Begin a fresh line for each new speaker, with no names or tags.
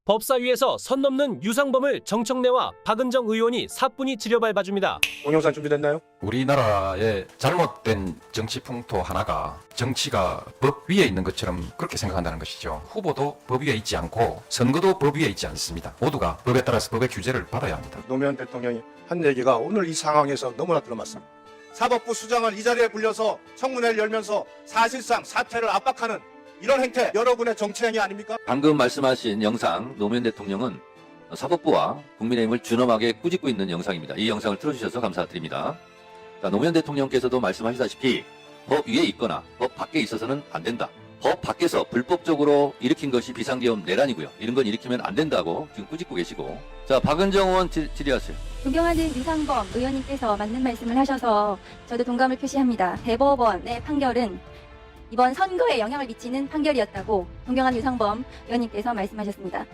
법사위에서 선 넘는 유상범을 정청래와 박은정 의원이 사뿐히 들여밟아줍니다.
동영상 준비됐나요?
우리나라의 잘못된 정치 풍토 하나가 정치가 법 위에 있는 것처럼 그렇게 생각한다는 것이죠. 후보도 법 위에 있지 않고 선거도 법 위에 있지 않습니다. 모두가 법에 따라서 법의 규제를 받아야 합니다.
노무현 대통령이 한 얘기가 오늘 이 상황에서 너무나 들어맞습니다. 사법부 수장을 이 자리에 불려서 청문회를 열면서 사실상 사퇴를 압박하는 이런 행태, 여러분의 정치행위 아닙니까?
방금 말씀하신 영상, 노무현 대통령은 사법부와 국민의힘을 준엄하게 꾸짖고 있는 영상입니다. 이 영상을 틀어주셔서 감사드립니다. 자, 노무현 대통령께서도 말씀하시다시피 법 위에 있거나 법 밖에 있어서는 안 된다. 법 밖에서 불법적으로 일으킨 것이 비상계엄 내란이고요. 이런 건 일으키면 안 된다고 지금 꾸짖고 계시고. 자, 박은정 의원 질의하세요.
존경하는 유상범 의원님께서 맞는 말씀을 하셔서 저도 동감을 표시합니다. 대법원의 판결은 이번 선거에 영향을 미치는 판결이었다고 존경하는 유상범 의원님께서 말씀하셨습니다.